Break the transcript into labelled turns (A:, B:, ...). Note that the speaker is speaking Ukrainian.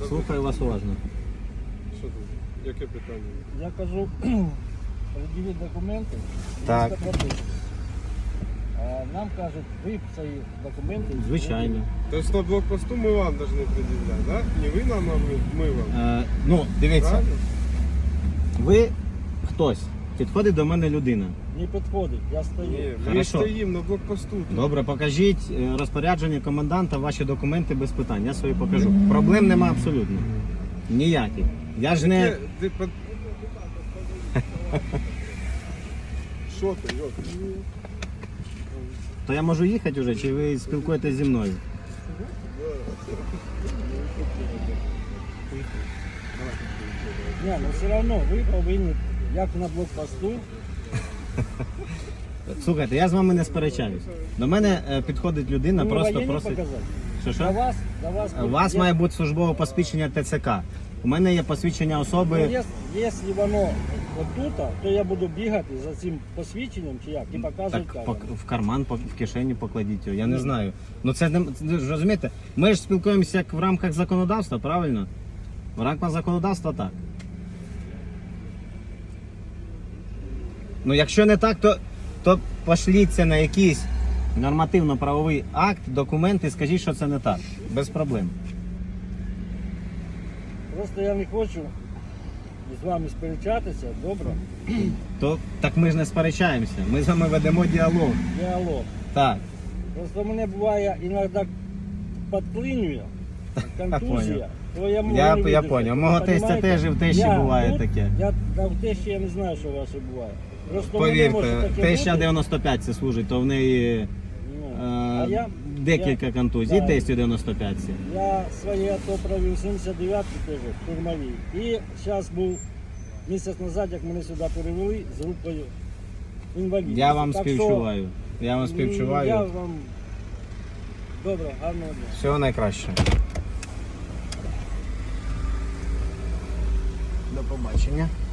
A: Слухаю вас уважно.
B: Що тут? Яке питання?
C: Я кажу, пред'явіть документи,
A: Так.
C: місто прописки. А нам кажуть, ви свої документи.
A: Звичайно.
B: Тобто на блокпосту ми вам повинні пред'являти, так? Да? Не ви нам, а ми вам.
A: Ну, дивіться,
B: Правильно?
A: ви хтось. Підходить до мене людина.
C: Не підходить, я стою.
B: Ні, ми
A: Хорошо.
B: стоїмо на блокпосту. тут.
A: Добре, покажіть розпорядження коменданта, ваші документи без питань. Я свої покажу. Проблем нема абсолютно. Ніяких. Я ж не.
B: Що ти, йо?
A: То я можу їхати вже, чи ви спілкуєтесь зі мною?
C: Ні, ну все одно ви повинні, як на блокпосту,
A: Слухайте, я з вами не сперечаюсь. До мене підходить людина,
C: мені
A: просто
C: воєнні
A: просить.
C: показати.
A: Що
C: До
A: що?
C: вас
A: У вас має бути службове посвідчення ТЦК. У мене є посвідчення
C: Ну,
A: особи.
C: якщо воно отут, то я буду бігати за цим посвідченням чи як і показувати
A: Так
C: камеру.
A: в карман, в кишені покладіть його. Я не знаю. Ну це не розумієте. Ми ж спілкуємося як в рамках законодавства, правильно? В рамках законодавства так. Ну якщо не так, то пошліться на якийсь нормативно-правовий акт, документ і скажіть, що це не так. Без проблем.
C: Просто я не хочу з вами сперечатися, добре?
A: То так ми ж не сперечаємося. Ми з вами ведемо діалог.
C: Діалог.
A: Так.
C: Просто мене буває іноді підклинює, контузія. То я можу
A: Я
C: не видержати.
A: поняв. Мого тестя
C: Понімаєте?
A: теж і в тещі
C: Я
A: буває
C: тут,
A: таке.
C: В тещі я не знаю, що ваше буває. Просто мене може
A: Повірте,
C: таке
A: теща
C: бути.
A: 95 це служить, то в неї
C: Ну, а
A: декілька контузій.
C: да.
A: Тестю 95.
C: Я своє АТО провів 79-й теж, штурмовій. І зараз був місяць назад, як мене сюди перевели з групою інвалідів.
A: Я вам
C: Так
A: співчуваю. Я вам
C: що, Я
A: співчуваю.
C: вам... Добре, гарного дня.
A: Всього найкращого. До побачення.